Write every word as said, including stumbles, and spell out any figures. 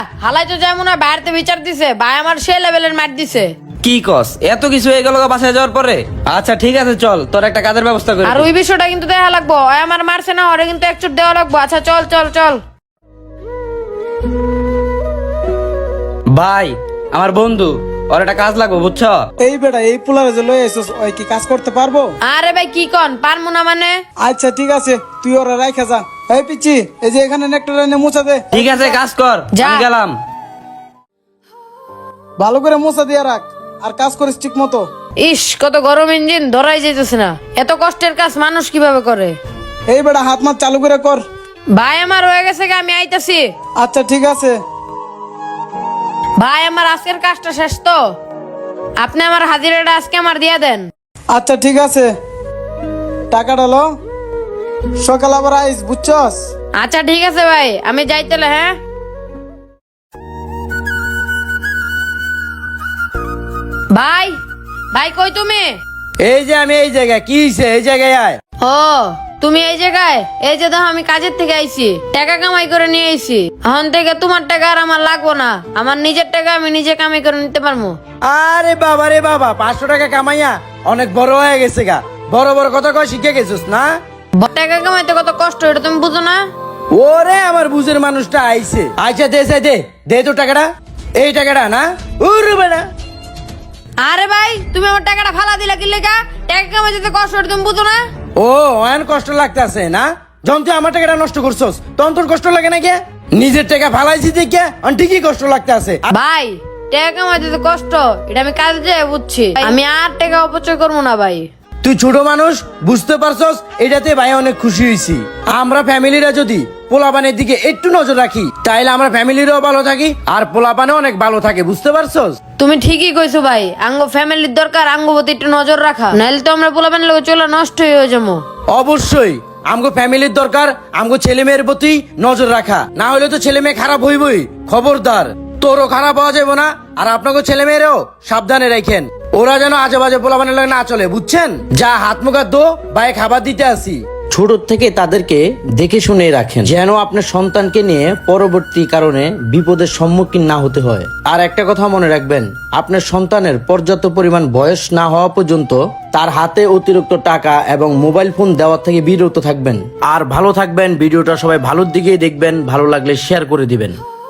হালাই তো যেমন বাইরেতে বিচার দিছে, ভাই আমার সে লেভেলের মার দিছে। কি কস, এত কিছু হয়ে গেল বাসায় যাওয়ার পরে? আচ্ছা ঠিক আছে, চল তোর একটা কাজের ব্যবস্থা করি। আর ওই বিষয়টা কিন্তু দেখা লাগবো, ওই আমার মারছে না, ওরে কিন্তু একচুট দেওয়া লাগবো। আচ্ছা চল চল চল। ভাই আমার বন্ধু, ওর একটা কাজ লাগবে বুঝছো? এই বেটা এই পোলারে যে লই আইছস ওই কি কাজ করতে পারবো? আরে ভাই কি কন, পারমু না মানে? আচ্ছা ঠিক আছে, তুই ওরা রাইখা যা। এই পিচ্ছি, এই যে এখানে নেকটা এনে মুছা দে। ঠিক আছে, কাজ কর, যা। আমি গেলাম। ভালো করে মুছা দিয়ে রাখ, আর কাজ করিস ঠিক মতো। ইস, কত গরম ইঞ্জিন, ধরাই যেতেছে না। এত কষ্টের কাজ মানুষ কিভাবে করে? এই বেটা হাত মাত চালু করে কর। ভাই আমার হয়ে গেছে গে, আমি আইতাছি। আচ্ছা ঠিক আছে। ভাই আমার আজকের কাজটা শেষ তো, আপনি আমার হাজিরাটা আজকে আমার দিয়া দেন। আচ্ছা ঠিক আছে, টাকাটা লো, সকাল আবার আইস বুঝছস? আচ্ছা ঠিক আছে ভাই, আমি যাই তাহলে। হ্যাঁ ভাই, ভাই কই তুমি? এই যে আমি এই জায়গায়, কি হইছে? এই জায়গায় আয়। ও তুমি এই জায়গায়? এই যে দেখো আমি কাজের থেকে আইছি, টাকা কামাই করে নিয়ে আইছি। এখন থেকে তোমার টাকা আর আমার লাগবো না, আমার নিজের টাকা আমি নিজে কামাই করে নিতে পারবো। আরে বাবা রে বাবা, পাঁচশো টাকা কামাইয়া অনেক বড় হয়ে গেছে গা। বড় বড় কথা কয় শিখে গেছিস না? টাকা কামাইতে কত কষ্ট, এটা তুমি বুঝো না? ওরে আমার বুঝের মানুষটা আইছে। আচ্ছা দে দে দে দে তো টাকাটা, এই টাকাটা না? উরে বেটা, আরে ভাই তুমি আমার টাকাটা ফালা দিলা কি লেগা? টাকা কামাইতে তো কষ্ট, এটা তুমি বুঝো না? ও অনেক কষ্ট লাগতেছে না? যখন তুই আমার টাকাটা নষ্ট করছস তখন তোর কষ্ট লাগে না কে? নিজের টাকা ফালাইছি দেখে আর ঠিকই কষ্ট লাগতেছে। ভাই টাকা কামাইতে তো কষ্ট, এটা আমি কাজে যেয়ে বুঝছি। আমি আর টাকা অপচয় করবো না ভাই। তুই ছোট মানুষ, বুঝতে পারছস, এটাতে ভাই অনেক খুশি হয়েছি। আমরা ফ্যামিলিরা যদি পোলাপানের দিকে একটু নজর রাখি তাইলে আমরা ফ্যামিলিরও ভালো থাকি আর পোলাপানও অনেক ভালো থাকে, বুঝতে পারছস? তুমি ঠিকই কইছো ভাই, আঙ্গ ফ্যামিলির দরকার আঙ্গ প্রতি একটু নজর রাখা, নাইলে তো আমরা পোলাপানের লোক চলে নষ্ট হয়ে যাবো। অবশ্যই আমগো ফ্যামিলির দরকার আমগো ছেলে মেয়ের প্রতি নজর রাখা, না হলে তো ছেলে মেয়ে খারাপ হইবই। খবরদার, তোরও খারাপ হওয়া যাবে না আর আপনাকে ছেলে মেয়েরও সাবধানে রাখেন, ওরা যেন আজে বাজে পোলাপানের লাগে না চলে, বুঝছেন? যা হাত মুখা দো, ভাই খাবার দিতে আসি। ছোট থেকে তাদেরকে দেখে শুনে রাখেন যেন আপনার সন্তানকে নিয়ে পরবর্তী কারণে বিপদের সম্মুখীন না হতে হয়। আর একটা কথা মনে রাখবেন, আপনার সন্তানের পর্যাপ্ত পরিমাণ বয়স না হওয়া পর্যন্ত তার হাতে অতিরিক্ত টাকা এবং মোবাইল ফোন দেওয়ার থেকে বিরত থাকবেন। আর ভালো থাকবেন, ভিডিওটা সবাই ভালোর দিকেই দেখবেন, ভালো লাগলে শেয়ার করে দিবেন।